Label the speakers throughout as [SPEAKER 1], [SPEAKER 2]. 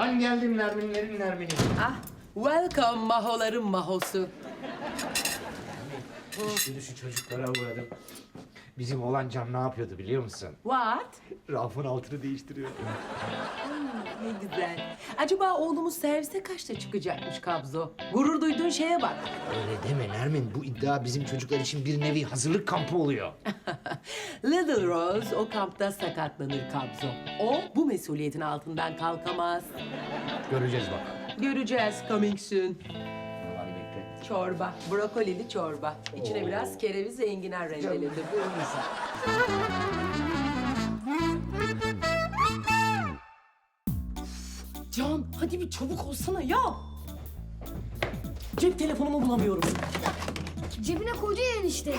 [SPEAKER 1] Ben geldim Nerminlerin Nermin'i.
[SPEAKER 2] Ah, welcome mahoların mahosu.
[SPEAKER 1] Şimdi şu çocuklara uğradım. Bizim oğlan Can ne yapıyordu biliyor musun?
[SPEAKER 2] What?
[SPEAKER 1] Rafın altını değiştiriyor.
[SPEAKER 2] Ne güzel. Acaba oğlumuz servise kaçta çıkacakmış Kabzo? Gurur duyduğun şeye bak.
[SPEAKER 1] Öyle deme Nermin. Bu iddia bizim çocuklar için bir nevi hazırlık kampı oluyor.
[SPEAKER 2] Little Rose o kampta sakatlanır Kabzo. O bu mesuliyetin altından kalkamaz.
[SPEAKER 1] Göreceğiz bakalım.
[SPEAKER 2] Göreceğiz coming soon.
[SPEAKER 1] Hadi bekle.
[SPEAKER 2] Çorba, brokolili çorba. İçine biraz kereviz ve enginar rendeledim. Can, hadi bir çabuk olsana ya. Cep telefonumu bulamıyorum.
[SPEAKER 3] Cebine koydu ya enişte.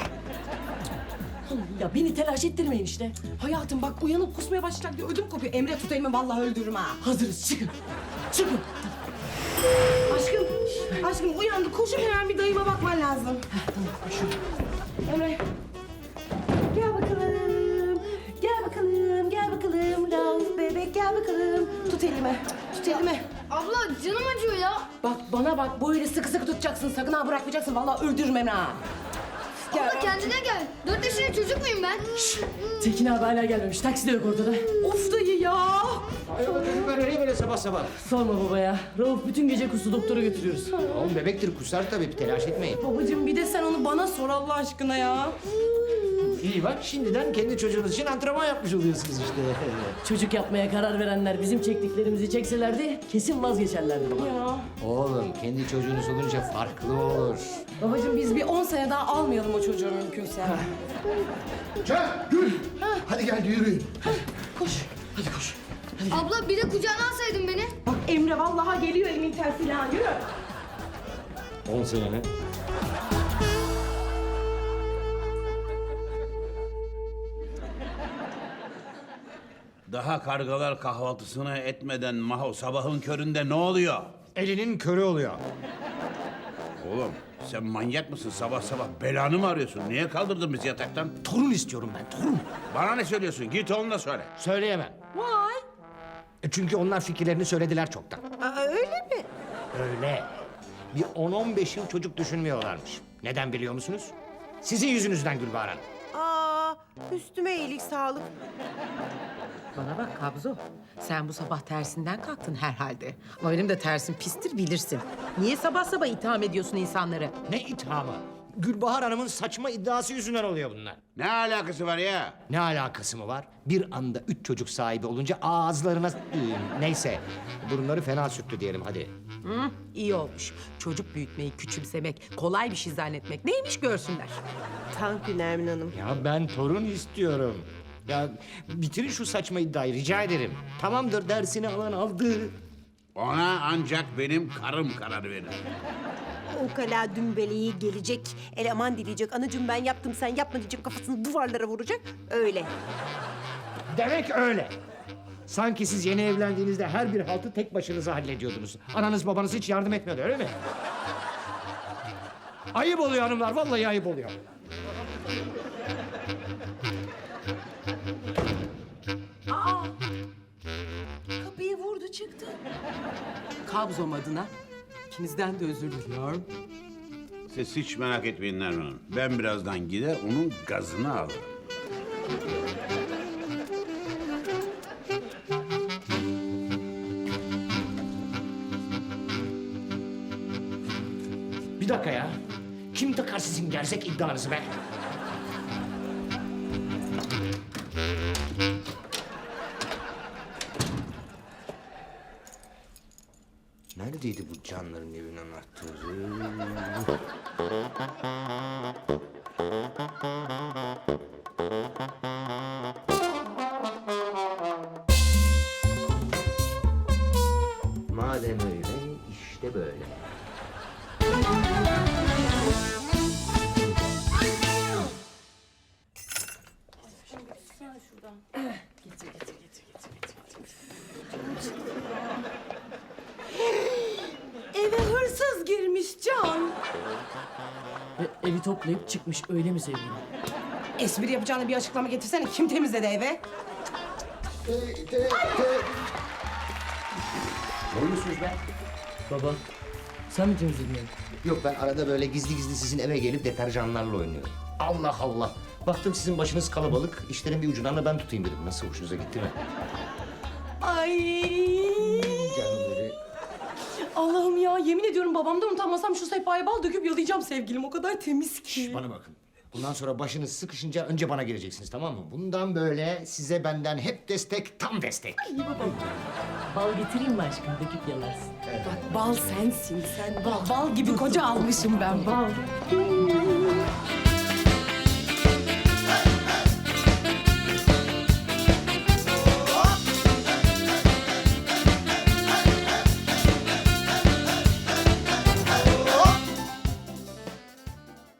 [SPEAKER 2] Ya beni telaş ettirmeyin işte. Hayatım bak uyanıp kusmaya başlayacak diye ödüm kopuyor. Emre tut elimi vallahi öldürürüm ha. Hazırız çıkın. Çıkın.
[SPEAKER 4] Aşkım uyandı. Koşup hemen bir dayıma bakman lazım.
[SPEAKER 2] Tamam koşun.
[SPEAKER 4] Emre. Gel bakalım. Gel bakalım. Gel bakalım. Rauf bebek gel bakalım. Tut elimi. Tut elimi.
[SPEAKER 3] Abla canım acıyor ya.
[SPEAKER 2] Bak bana bak böyle sıkı sıkı tutacaksın. Sakın ha bırakmayacaksın. Vallahi öldürürüm Emre ha.
[SPEAKER 3] Abla kendine gel. 4 yaşında çocuk muyum ben?
[SPEAKER 2] Tekin abi hala gelmemiş. Taksi de yok ortada. Of dayı ya.
[SPEAKER 1] Hayrola çocuklar nereye böyle sabah sabah?
[SPEAKER 2] Sorma baba ya. Rauf bütün gece kustu doktora götürüyoruz.
[SPEAKER 1] Oğlum bebektir kusar tabii telaş etmeyin.
[SPEAKER 4] Babacığım bir de sen onu bana sor Allah aşkına ya.
[SPEAKER 1] İyi bak şimdiden kendi çocuğunuz için antrenman yapmış oluyorsunuz işte.
[SPEAKER 2] Çocuk yapmaya karar verenler bizim çektiklerimizi çekselerdi kesin vazgeçerlerdi baba.
[SPEAKER 4] Ya.
[SPEAKER 1] Oğlum kendi çocuğunuz olunca farklı olur.
[SPEAKER 4] Babacığım biz bir 10 sene daha almayalım o çocuğu mümkünse.
[SPEAKER 5] Can, Gül. Hadi gel yürüyün.
[SPEAKER 4] Koş.
[SPEAKER 1] Hadi koş.
[SPEAKER 3] Abla bir de kucağına alsaydın beni.
[SPEAKER 4] Bak Emre vallahi geliyor elimin tersiyle ha. Yürü.
[SPEAKER 1] 10 sene mi?
[SPEAKER 6] Daha kargalar kahvaltısını etmeden Maho sabahın köründe ne oluyor?
[SPEAKER 1] Elinin körü oluyor.
[SPEAKER 6] Oğlum sen manyak mısın? Sabah sabah belanı mı arıyorsun? Niye kaldırdın bizi yataktan?
[SPEAKER 1] Torun istiyorum ben torun.
[SPEAKER 6] Bana ne söylüyorsun? Git onunla söyle.
[SPEAKER 1] Söyleyemem.
[SPEAKER 4] Vay.
[SPEAKER 1] Çünkü onlar fikirlerini söylediler çoktan.
[SPEAKER 4] Öyle mi?
[SPEAKER 1] Öyle. Bir 10-15 yıl çocuk düşünmüyorlarmış. Neden biliyor musunuz? Sizin yüzünüzden Gülbahar Hanım.
[SPEAKER 4] Aa, üstüme iyilik sağlık.
[SPEAKER 2] Bana bak Kabzo. Sen bu sabah tersinden kalktın herhalde. Ama benim de tersim pistir bilirsin. Niye sabah sabah itham ediyorsun insanları?
[SPEAKER 1] Ne ithamı? Gülbahar Hanım'ın saçma iddiası yüzünden oluyor bunlar.
[SPEAKER 6] Ne alakası var ya?
[SPEAKER 1] Ne alakası mı var? Bir anda 3 çocuk sahibi olunca ağızlarına... Neyse, burunları fena sürttü diyelim hadi.
[SPEAKER 2] Hı, iyi olmuş. Çocuk büyütmeyi küçümsemek, kolay bir şey zannetmek neymiş görsünler.
[SPEAKER 4] Tankü Nermin Hanım.
[SPEAKER 1] Ya ben torun istiyorum. Ya bitirin şu saçma iddiayı rica ederim. Tamamdır dersini alan aldı.
[SPEAKER 6] Ona ancak benim karım karar verir.
[SPEAKER 7] Ukala dümbeleyi gelecek, eleman dileyecek. Anacığım ben yaptım sen yapma diyecek, kafasını duvarlara vuracak. Öyle.
[SPEAKER 1] Demek öyle. Sanki siz yeni evlendiğinizde her bir haltı tek başınıza hallediyordunuz. Ananız babanız hiç yardım etmiyordu öyle mi? Ayıp oluyor hanımlar vallahi ayıp oluyor.
[SPEAKER 2] Kapıyı vurdu çıktı. Kabzom adına ikinizden de özür diliyorum.
[SPEAKER 6] Siz hiç merak etmeyin Nermin Hanım. Ben birazdan gider onun gazını alırım.
[SPEAKER 1] Bir dakika ya. Kim takar sizin gerzek iddianızı be? Neredeydi bu canların evinin anahtarı? Madem öyle, işte böyle.
[SPEAKER 4] Eve hırsız girmiş Can.
[SPEAKER 2] Evi toplayıp çıkmış öyle mi sevgilim?
[SPEAKER 4] Espri yapacağını bir açıklama getirsene. Kim temizledi eve?
[SPEAKER 1] Ne oynuyorsunuz be?
[SPEAKER 8] Baba, sen mi temizledin?
[SPEAKER 1] Yok ben arada böyle gizli gizli sizin eve gelip deterjanlarla oynuyorum. Allah Allah. Baktım sizin başınız kalabalık. İşlerin bir ucundan da ben tutayım dedim. Nasıl hoşunuza gitti mi?
[SPEAKER 4] Ay.
[SPEAKER 1] Canları.
[SPEAKER 4] Allah'ım ya, yemin ediyorum babamdan utanmasam şu sehpaya bal döküp yalayacağım sevgilim. O kadar temiz ki.
[SPEAKER 1] Bana bakın. Bundan sonra başınız sıkışınca önce bana geleceksiniz, tamam mı? Bundan böyle size benden hep destek, tam destek.
[SPEAKER 8] Bal getireyim mi aşkım? Döküp yalarsın.
[SPEAKER 4] Bak bal sensin sen. Bal gibi koca almışım ben bal.